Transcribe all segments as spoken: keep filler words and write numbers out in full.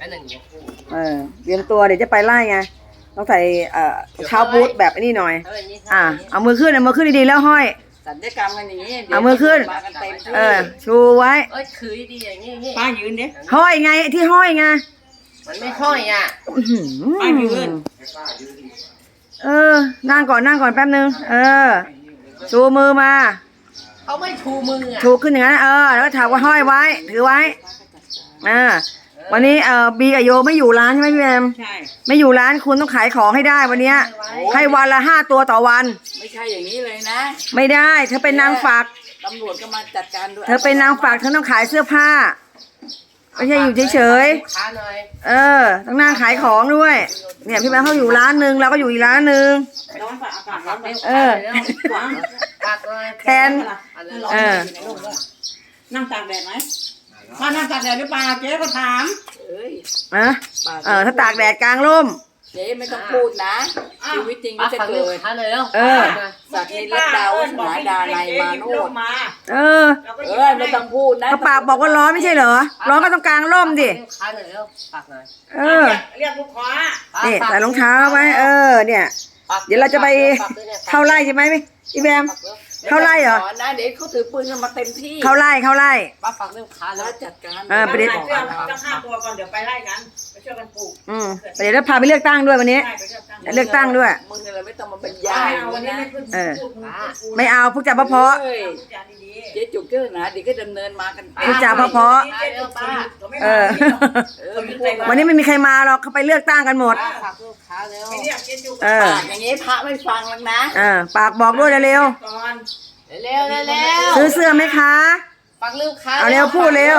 หนึ่งยกคู่เออเตรียมตัวเดี๋ยวจะไปไล่ไงต้องใส่เอ่อเท้าบูทแบบนี้หน่อยอ่ะเอามือขึ้นเอามือขึ้นดีๆแล้วห้อยสัญญกรรมกันอย่างนี้เอามือขึ้นเออชูไว้เอ้ยคือดีอย่างนี้ป้ายืนดิห้อยไงที่ห้อยไงมันไม่ห้อยอ่ะป้ายืนเออนั่งก่อนนั่งก่อนแป๊บนึงเออชูมือมาเขาไม่ชูมืออ่ะชูขึ้นอย่างนั้นเออแล้วก็ถามว่าห้อยไว้ถือไว้อ่าวันนี้เอ่อบีกับโยไม่อยู่ร้านใช่ไหมพี่แอมใช่ไม่อยู่ร้านคุณต้องขายของให้ได้วันนี้ให้วันละห้าตัวต่อวันไม่ใช่อย่างนี้เลยนะไม่ได้เธอเป็นนางฝากตำรวจก็มาจัดการด้วยเธอเป็นนางฝากเธอต้องขายเสื้อผ้าไม่ใช่อยู่เฉยๆเออต้องนั่งขายของด้วยเนี่ยพี่แบงค์เขาอยู่ร้านนึงเราก็อยู่อีกร้านนึงเออแทนเออนั่งตากแดดไหมมานั่งตากแดดหรือเปล่าเจ๊ก็ถามเอ้ยอะเออถ้าตากแดดกลางร่มเจ๊ไม่ต้องพูดนะชีวิตจริงก็จะเกิดเออสักนิรัตดาวสนาดาในมาโนดเออเออไม่ต้องพูดนะปากบอกว่าร้อนไม่ใช่เหรอร้อนก็ต้องกลางร่มดิเออเรียกลูกค้านี่ใส่รองเท้าไว้เออเนี่ยเดี๋ยวเราจะไปเข้าไร่ใช่ไหมพี่แบมเข้าไล่เหรอนะเด็กเขาถือปืนกันมาเต็มที่เข้าไล่เข้าไล่ป้าฟังเรื่องค้าแล้วจัดการเออไปเดี๋ยวจะฆ่าตัวก่อนเดี๋ยวไปไล่กันไปช่วยกันปลูกอืมเดี๋ยวเราพาไปเลือกตั้งด้วยวันนี้เลือกตั้งด้วยมึงอะไรไม่ต้องมาบรรยายวันนี้เออไม่เอาพวกจ่าเพาะเจ๊จุกเกอร์นะเดี๋ยวก็ดำเนินมากันพวกจ่าเพาะเออวันนี้ไม่มีใครมาหรอกเขาไปเลือกตั้งกันหมดเอออย่างนี้พระไม่ฟังแล้วนะเออปากบอกด้วยเร็วเร็วเร็วซื้อเสื้อไหมคะฟังเร็วค้าเอาเร็วพูดเร็ว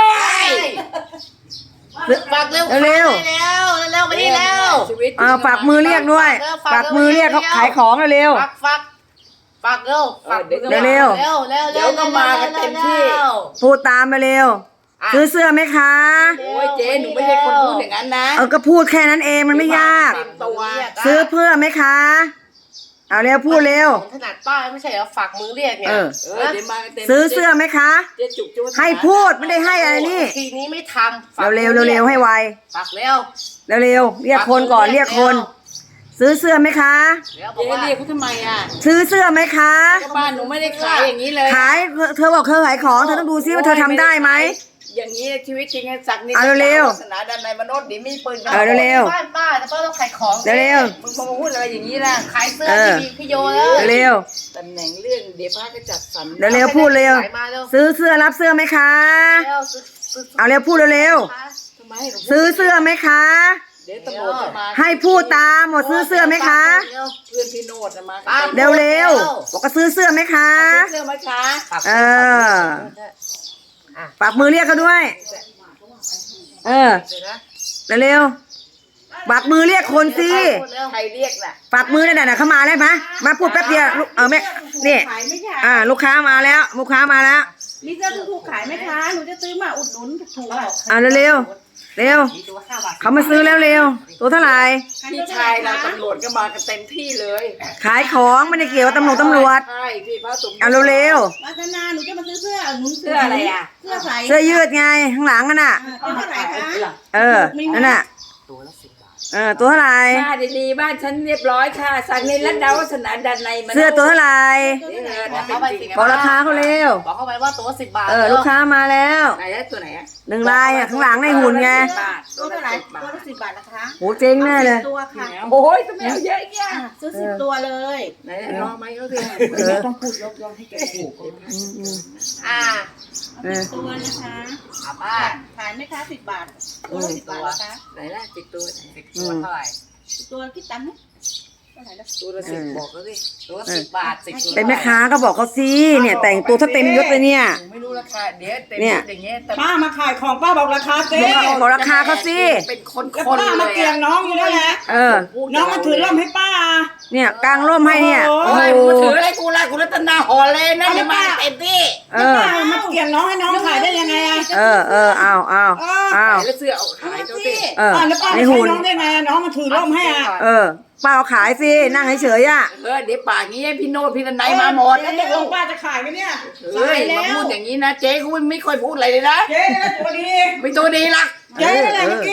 ฝากเร็วเร็วเร็วเร็วไปนี่เร็วอ่าฝากมือเรียกด้วยฝากมือเรียกเขาขายของเร็วฝากฝากฝากเร็วฝากเร็วเร็วเร็วเร็วเดี๋ยวก็มากันเต็มที่พูดตามมาเร็วซื้อเสื้อไหมคะโอ้ยเจ๊หนูไม่ใช่คนพูดอย่างนั้นนะเออก็พูดแค่นั้นเองมันไม่ยากซื้อเพื่อไหมคะเอาเร็วพูดเร็วขนาดป้าไม่ใช่เหรอฝากมือเรียกเนี่ยซื้อเสื้อไหมคะให้พูดไม่ได้ให้อะไรนี่ทีนี้ไม่ทำเร็วเร็วเร็วให้ไวฝากเร็วเร็วเร็วเรียกคนก่อนเรียกคนซื้อเสื้อไหมคะเจ๊เรียกเขาทำไมอ่ะซื้อเสื้อไหมคะบ้านหนูไม่ได้ขายอย่างนี้เลยขายเธอบอกเธอขายของเธอต้องดูซิว่าเธอทำได้ไหมอย่างนี้ชีวิตจริงสักนิดเร็วศาสนาดันในมนุษย์ดิมีปืนเออเร็วบ้านป้าแต่ป้าต้องขายของเร็วมึงมาพูดอะไรอย่างนี้ล่ะขายเสื้อที่มีพี่โยเลยเร็วตำแหน่งเรื่องเดี๋ยวพระก็จัดสรรเร็วพูดเร็วซื้อเสื้อรับเสื้อไหมคะเอาเร็วพูดเร็วซื้อเสื้อไหมคะเดี๋ยวตำรวจจะมาให้พูดตามหมดซื้อเสื้อไหมคะเพื่อนพี่โนดจะมาเร็วเร็วบอกก็ซื้อเสื้อไหมคะเสื้อไหมคะเออปากมือเรียกเขาด้วยเออเร็วปากมือเรียกคนสิใครเรียกน่ะปากมือนั่นน่ะเข้ามาได้ไหมมาพูดแป๊บเดียวเออแม่นี่อ่าลูกค้ามาแล้วลูกค้ามาแล้วมีเสื้อถูกขายไหมคะหนูจะซื้อมาอุดหนุนถูกอ่าเร็วเร็วเขามาซื้อแล้วเร็วตัวเท่าไหร่พี่ชายเราตำรวจก็มากันเต็มที่เลยขายของไม่ได้เกี่ยวกับตำรวจตำรวจใช่พี่พระสงฆ์เอาเร็วมาธนาหนูจะมาซื้อเสื้อหนูเสื้ออะไรอ่ะเสื้อใส่เสื้อยืดไงข้างหลังนั่นน่ะเออนั่นน่ะตัวละสิบบาทเออตัวเท่าไหร่บ้านดีๆบ้านฉันเรียบร้อยค่ะสักนิรัตดาวสนาดันในเสื้อตัวเท่าไหร่บอกราคาเขาเร็วบอกเข้าไปว่าตัวสิบบาทเออลูกค้ามาแล้วไหนตัวไหนอ่ะหนึ่งลายอ่ะข้างหลังในหุ่นไงตัวเท่าไหร่ตัวละสิบบาทนะคะโหเจ๊งแน่เลยตัวค่ะโอ้ยทำไมเอาเยอะแยะซื้อสิบตัวเลยไหนน้องไหมเขาสิต้องพูดลบย้อนให้แกถูกอ่าตัวนะคะป้าขายไหมคะสิบบาทตัวละสิบบาทนะคะไหนล่ะสิบตัวสิบตัวเท่าไหร่ตัวคิดตังค์ไหมตัวละสิบบอกเขาสิตัวละสิบบาทสิบตัวเป็นแม่ค้าก็บอกเขาสิเนี่ยแต่งตัวถ้าเต็มยศเลยเนี่ยไม่รู้ราคาเดี๋ยวเต็มยศอย่างเงี้ยป้ามาขายของป้าบอกราคาเจ๊บอกราคาเขาสิเป็นคนคนป้ามาเกี่ยงน้องอยู่นั่นแหละเออน้องมาถือร่มให้ป้าเนี่ยกางร่มให้เนี่ยโอ้ยมาถืออะไรกูละกูรัตนาหอเลยนะเนี่ยมาเต็มที่เออมาเกี่ยงน้องให้น้องขายได้ยังไงอ่ะเออเออเอาเอาเอาแล้วเสื้อเอาขายเจ้าสิเออแล้วป้าไม่ให้น้องได้ไงน้องมาถือร่มให้อ่ะเออป้าเอาขายสินั่งเฉยๆอ่ะเออเดี๋ยวป่างี้พี่โนดพี่นันมาหมดแล้วตกลงป้าจะขายไหมเนี่ยเฮ้ยมาพูดอย่างนี้นะเจ๊กูไม่ค่อยพูดอะไรเลยนะเจ๊ตัวดีไม่ตัวดีละเจ๊อะไรเมื่อกี้ว่าอะไร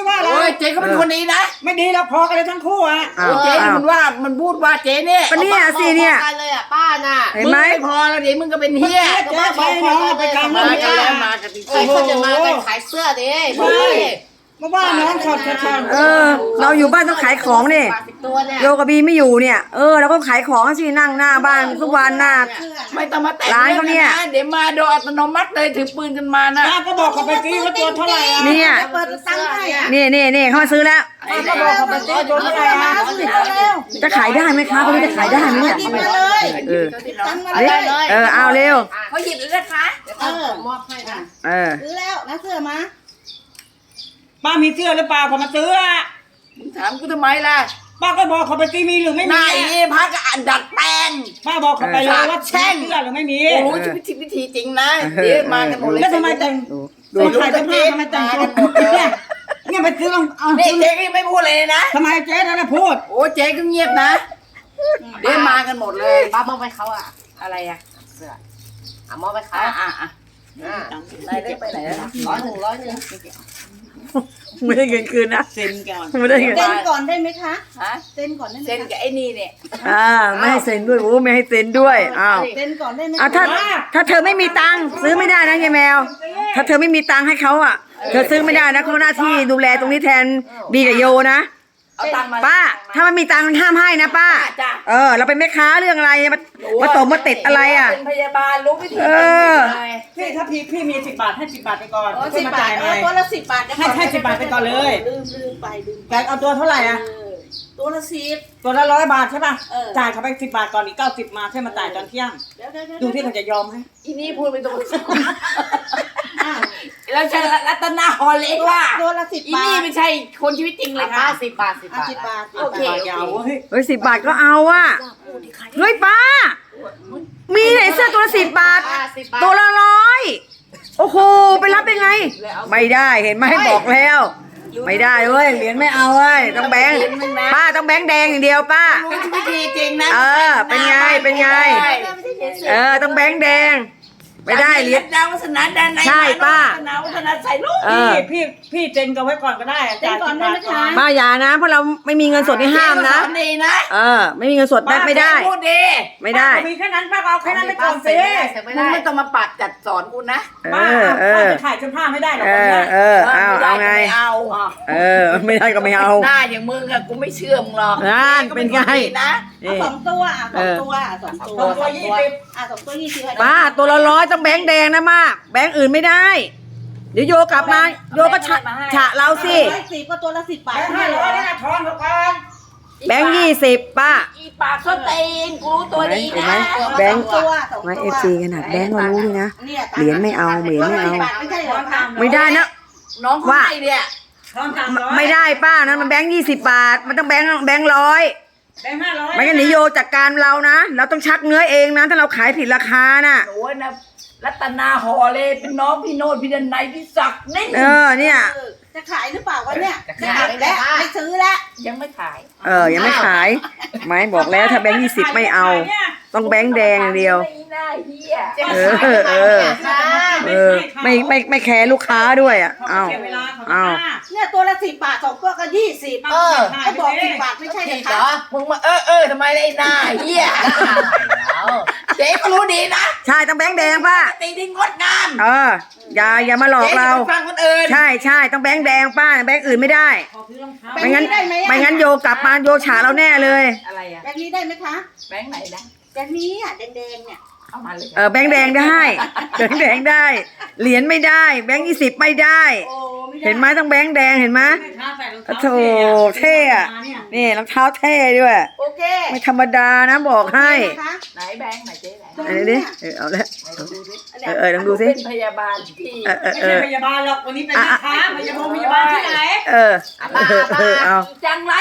ยเจ๊ก็เป็นคนดีนะไม่ดีแล้วพอกันเลยทั้งคู่อ่ะอ้าโอ้วยเจ๊อ้าวมันว่ามันพูดว่าเจ๊เนี่ยก็เนี่ยสิเนี่ยเลยอ่ะป้าน่ะเห็นมึงไหมไม่พอแล้วเดี๋ยวมึงก็เป็นเฮียเจ๊ใช้น้องไปกลางมาเรื่องกันแล้วมากันจริงๆเขาจะมากันขายเสื้อดิบอกเลยมาว่าน้องขอดชัดเออ เราอยู่บ้านต้องขายของนี่ปากสิบตัวเนี่ยโยกับบีไม่อยู่เนี่ย เออเราก็ขายของสินั่งหน้าบ้านทุกวันหน้าไม่ต้องมาแต่งร้านเขาเนี่ยรื่องะเดี๋ยวมาโดยอัตโนมัติเลยถือปืนกันมานะป้าก็บอกเขาไปกี้ว่าตัวเท่าไหร่อ่ะเนี่ยเปิดตังค์ให้อ่ะนี่นี่นี่เขามาซื้อแล้วป้าก็บอกเขาไปกี้ตัวเท่าไหร่อ่ะจะขายได้ไหมคะคนนี้จะขายได้ไหมเนี่ยเออตังค์มาเอาเลดิยเออเอาเร็วเขาหยิบเลยนะคะเดี๋ยวเขามอบให้ค่ะเออซื้อแล้วแล้วเสื้อมาป้ามีเสื้อหรือเปล่าเขามาซื้ออ่ะมึงถามกูทำไมล่ะป้าก็บอกเขาไปกี้มีหรือไม่หมีน้าอีนี่พักก็อันดัดแปลงป้าบอกเขาไปเลยว่าแช่งเสื้อหรือไม่มีกูรู้ชีวิตวิธีจริงนะเดี๋ยวมากันหมดเลยแล้วทำไมแต่งดูดูถ่ายเสื้อผ้าทำไมแต่งตัวเนี่ยเนี่ยไปซื้อลองเอานี่เจ๊ก็ยังไม่พูดเลยนะทำไมเจ๊นั่นน่ะพูดโอ้เจ๊ก็เงียบนะเดี๋ยวมากันหมดเลยป้ามอบไปเขาอะอะไรอะเสื้ออ่ะมอบไปเขาอ่ะอ่ะอ่ะได้ได้ไปไหนแล้วร้อยหนึ่งร้อยหนึ่งไม่ได้เงินคืนนะเซ็นก่อนไม่ได้เงินเซ็นก่อนได้ไหมคะฮะเซ็นก่อนได้ไหมเซ็นกับไอ้นี่เนี่ยอ่าไม่ให้เซ็นด้วยโอ้ไม่ให้เซ็นด้วยอ้าวเซ็นก่อนได้ไหมอ่ะถ้าถ้าเธอไม่มีตังค์ซื้อไม่ได้นะยายแมว ถ้าเธอไม่มีตังค์ให้เขาอ่ะ เธอซื้อไม่ได้นะเขาหน้าที่ดูแลตรงนี้แทนบีกับโยนะเอาตังค์มาป้า ถ้ามันมีตังค์ห้ามให้นะป้าจ้ะเออ เราเป็นแม่ค้าเรื่องอะไรมามาตบมาติดอะไรอ่ะเป็นพยาบาลรู้วิธีเออพี่ถ้าพี่พี่มีสิบบาทให้สิบบาทไปก่อนโอ้ค่อสิยบมาบาจ่าทยหเอน่ออย ตัวละสิบบาทให้ให้สิบบาทไปก่อนเลยลืมลืมไปลืมแกเอาตัวเท่าไหร่อ่ะเออตัวละสิบตัวละร้อยบาทใช่ป่ะเออจ่ายเขาไปสิบบาทก่อนอีกเก้าสิบมาใช่มาจ่ายตอนเที่ยงเดี๋ยวเดี๋ยวเดี๋ยวดูที่เขาจะยอมให้อีนี่พูดไปตรงอ่ะแล้วฉันรัตนาฮอลเล็กว่าตัวละสิบอีบานี่ทไม่ใช่คนชีวิตจริงเลยค่ะสิบบาทสิบอ่ะบาทสิบบาทโอเคยาวเว้ยเฮ้ยสิบบาทก็เอาอ่ะเฮ้ยป้า มีไหนเสื้อตัวละสิบบาทสิบบาทตัวละร้อย โอ้โห ไปรับได้ไง ไม่ได้เห็นไหมบอกแล้ว ไม่ได้เว้ยเหรียญไม่เอาเว้ยต้องแบงค์ป้าต้องแบงค์แดงอย่างเดียวป้ารู้วิธีจริงนะเออเป็นไงเป็นไง เออต้องแบงค์แดง ไม่ได้เหรียญดาววัฒนาด้านในใช่ป้าดาววัฒนาใส่ลูกเออพี่พี่พี่เจนกันไว้ก่อนก็ได้เซ็นก่อนได้ไหมคะป้าอย่านะ เพราะเราไม่มีเงินสดที่ห้ามนะเจ๊ก็สอดีนะเออ ไม่มีเงินสดได้ไม่ได้พูดดีไม่ได้มีแค่นั้นป้าก็เอาแค่นั้นไปก่อนสิมึงไม่ต้องมาปัดจัดสอนกูนะเอป้าอเอป้าอจะถ่ายเสื้อผ้าไม่ได้หรอกเอวันอเนี้ยเออเอาเอาไงม่เอาเออ ไม่ได้ก็ไม่เอาหน้าอย่างมึงอะกูไม่เชื่อมึงหรอกนั่นเป็นไงนะเอานี่สองตัวอ่ะสองตัวอ่ะสองตัวตัวตัวยี่สิบอ่ะสองตัวยี่สิบป้าตัวละร้อยต้องแบงค์แดงนะมากแบงค์อื่นไม่ได้ เดี๋ยวโยกลับมา โยก็ฉะฉะเราสิร้อยสิบก็ตัวละสิบบาทแบงค์ห้าร้อยนี่นะทอนเขาก่อนแบงค์ยี่สิบป้าอีปากส้นตีนกูรู้ตัวดีเห็นไหมนะแบงค์ตัวสองตัวไม่เอฟซีขนาดแบงค์ก็รู้เลยนะเนี่ยเหรียญไม่เอาเหรียญไม่เอาไม่ใช่เหรอคะไม่ได้นะน้องว่าว่าเนี่ยทอนสามร้อยไม่ได้ป้านั้นมันแบงค์ยี่สิบบาท มันต้องแบงค์แบงค์ร้อยแบงค์ห้าร้อยไม่งั้นเดี๋ยวโยจัดการเรานะ เราต้องชักเนื้อเองนะ ถ้าเราขายผิดราคาน่ะโอ้ยนะรัตนาหอเลยเป็นน้องพี่โนดพี่ดันไนพี่ศักดิ์นี่เออเนี่ยเออจะขายหรือเปล่าวะเนี่ยจะไม่ขายเก็บแล้วไม่ขายไม่ซื้อแล้วยังไม่ขายเออ ยังไม่ขาย ไม่บอกแล้วถ้าแบงค์ยี่สิบไม่เอา ต้องแบงค์แดงอย่างเดียวไม่น่าเฮียเออเออ เออ ไม่ไม่ไม่แคร์ลูกค้าด้วยอ่ะเอาเอาเสียเวลาเขาเอาป้าเนี่ยตัวละสิบบาทสองตัวก็ยี่สิบเออก็บอกสิบบาทไม่ใช่ใช่เหรอเหรคะอมึงมาเออเออทำไมไอ้หน้าเฮียเจ๊ก็รู้ดีนะใช่ต้องแบงค์แดงป้าตีที่งดงามเออ อย่าอย่ามาหลอกเราจ๊อย่ไปฟังคนอื่นใช่ใช่ต้องแบงค์แดงป้าแบงค์อื่นไม่ได้ขอซื้อรองเท้าไม่งั้นไม่งั้นโยกลับมาโยฉาเราแน่เลยอะไรอะแบบนี้ได้ไหมคะแบงค์ไหนนะแบบนี้อ่ะแดงๆเนี่ยเอามาเลยเออแบงค์แดงได้แบงค์แดงได้ เหรียญไม่ได้ แบงค์ยี่สิบไม่ได้โอ้ไม่ได้เห็นไหมต้องแบงค์แดงเห็นไหมแม่ค้าใส่รองเท้าโถเท่อะ นี่รองเท้าเท่ด้วยโอเคไม่ธรรมดานะบอกให้นะคะไหนแบงค์ไหนเจ๊ไหนอันนี้ดิเออเอาละไหนดูสิเออเออลองดูสิเป็นพยาบาลที่เออเออไม่เอใช่อพยาบาลหรอกวันนี้เป็นแม่ค้าพยาบาลพยาบาลที่ไหนเออเออเออเอาจังไร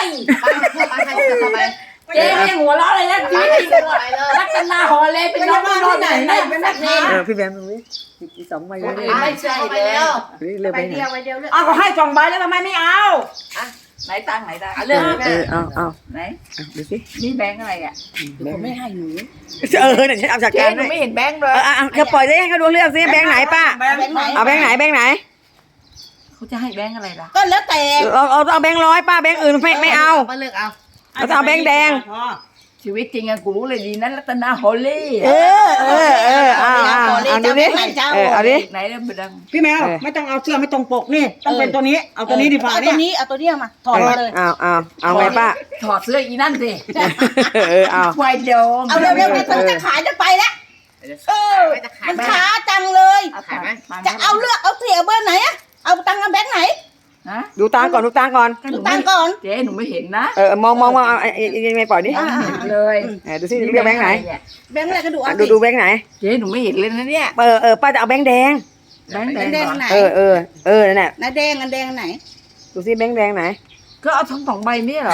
เจ๊ไม่หัวเราะเลยนะชีวิตจริงรัตนาหอเลยเป็นน้องพี่โนดไหนเป็นนักเรียนเออพี่แบมดูดิมีสองใบเลยไม่ใช่แล้วนี่เลือกไปไปไหนเดียวไปเดียวเลือกอ้าวก็ให้สองใบแล้วทำไมไม่เอาอ่ะไหนตังค์ไหนตังค์เอเรื่องอเออเอาเอาไหนเอาดูสินี่แบงค์อะไรอ่ะแบงค์ไม่ให้หนูเออเนี่ยฉันเอาจัดเจ๊การหนูให้ไม่เห็นแบงค์เลเอย อเอาเธอปล่อยได้ให้เขาดูเลือกสิแบงค์ไหนป้าแบงค์ไหนเอาแบงค์ไหนแบงค์ไหนขเขาจะให้แบงค์อะไรล่ะก็แล้วแต่เราเอาเอาแบงค์ร้อยป้าแบงค์อื่นไม่ไม่เอาป้าเลือกเอาเราจะเอาแบงค์แดงชีวิตจริงอะกูรู้เลยดีนั้นรัตนาฮอลลี่เออเออเออเอาเอาเอาดูดิเออเอาดิไหนเริ่มดังพี่แมวเออไม่ต้องเอาเสื้อไม่ตรงปกนี่ต้องเป็นตัวนี้เอาตัวนี้ดีกว่าเอาตัเนี่วย นี้เอาตัวนี้มาถอดมาเลยเอาเอาเอาไงป้าถอดเสื้ออีนั่นสิเออเอาควายโดมเอาเร็วๆไปถึงจะขายจะไปแล้วเออจะขายมันไหมช้าจังเลยขายไหมจะเอาเลือกเอาเสียเบอร์ไหนอะเอาตังค์เอาแบงค์ไหนนะดูตาก่อนดูตาก่อนดูตังค์ก่อนเจ๊หนูไม่เห็นนะเออมองมองมองเอาไอ้ไอ้ไอ้ไม่ปล่อยดิไม่เห็นเลยเออดูสิเรียกแบงค์ไหนแบงค์อะไรก็ดูเอาดูสิดูแบงค์ไหนเจ๊หนูไม่เห็นเลยนะเนี่ยเออเออป้าจะเอาแบงค์แดงแบงค์แดแดงงเหรอไหนเออเออเออนั่นแหละไหนแดงอันแดงอันไหนดูสิแบงค์แดงไหนก็เอาทั้งสองใบนี่เหรอ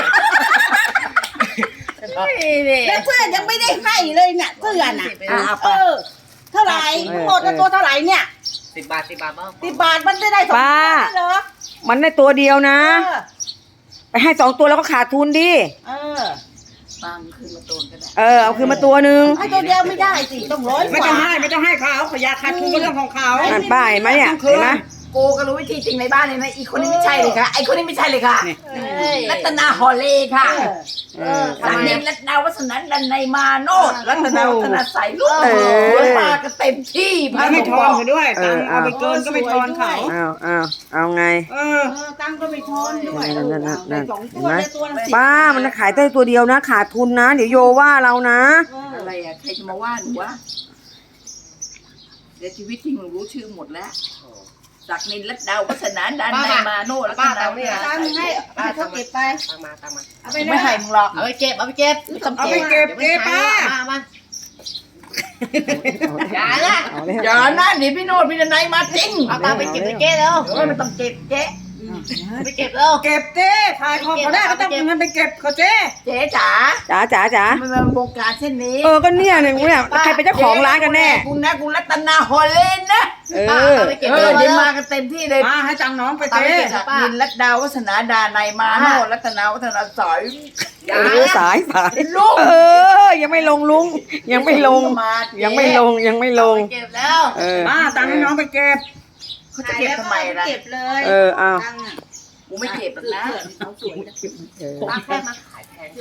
แล้วเสื้อยังไม่ได้ให้เลยเนี่ยเสื้อน่ะอ่ะเอาไปเออเท่าไหร่ทั้งหมดแล้วตัวเท่าไหร่เนี่ยสิบบาทสิบบาทบ้างสิบบาทมันได้ได้สองตัวได้เหรอมันได้ตัวเดียวนะเออไปให้สองตัวแล้วก็ขาดทุนดิเออตังคืนมาตูนก็ได้เออเอาคืนมาตัวหนึ่งให้ตัวเดียวไม่ได้สิต้องร้อยไม่กต้องว่าให้ไม่ต้องให้เขาเขาอยากขาดทุนก็เรื่องของเขานั่นป้าเห็นไหมเนี่ยเห็นไหมกูก็รู้วิธีจริงในบ้านเลยนะอีกคนนี้ไม่ใช่เลยค่ะไอคนนี้ไม่ใช่เลยค่ะรัตนาฮอลลี่ค่ะเออสามีรัตนาวัฒนันดันในมาโนดรัตนาวัฒนาใส่ลูกเออมาก็เต็มที่พระแล้วไม่สทงฆ์อนบอกเขาด้วยตังค์เอาไปเกินก็ไม่ทอนเขาเอาเอาเอาไงเออเออตังค์ก็ไม่ทอนด้วยนั่นนั่นนั่นนั่นสองเห็ตันวไหมได้ตัวละสิบป้ามันขายได้ตัวเดียวนะ ขาดทุนนะ เดี๋ยวโยว่าเรานะเอออะไรอ่ะใครจะมาว่าหนูวะเดี๋ยวชีวิตจริงหนูรู้ชื่อหมดแล้วจากนินรัตดาวัฒนาดันในมาโนดรัตนาวัฒนาตังค์ให้ให้เขาเก็บไปตังมาตังมาเอาไปไม่เลยให้มึงหรอกเอาไปเก็บเอาไปเก็บไม่ต้องเอาเก็ไปบเก็บเก็บป้ามามาอย่านะเอาเลยอย่านะเดี๋ยวพี่โนดพี่ดันในมาจริงเอาตังไปเก็บไปเก็บแล้วเฮ้ยมันต้องเก็บเจ๊ไปเก็บแล้วเก็บเจ้ขายของเขาได้ก็ต้องเอาเงินไปเก็บเขาเจ้เจ๊จ๋าจ๋าจ๋าจ๋ามันเป็นวงการเช่นนี้เออก็เนี่ยเนี่ยเนี่ยใครเป็นเจ้าของร้านกันแน่กูนะกูรัตนาฮอลเลนนะเออเอาไปเก็บเอเลอย เดี๋ยวมากันเต็มที่เลยป้าให้ตังค์น้องไปตามเจ้ไปเก็บจากนินรัตดาวัฒนาดาในมาโนรัตนาวัฒนาสอยเออสายสายลูกเออ ยังไม่ลงลุง ยังไม่ลง ยังไม่ลงยังไม่ลงเก็บแล้วเออป้าตังค์ให้น้องไปเก็บเขาจะเก็บทำไมล่ะเก็บเลยเออเอาตังค์อะกูไม่เก็บหรอกนะเออป้าแค่มาขายแทน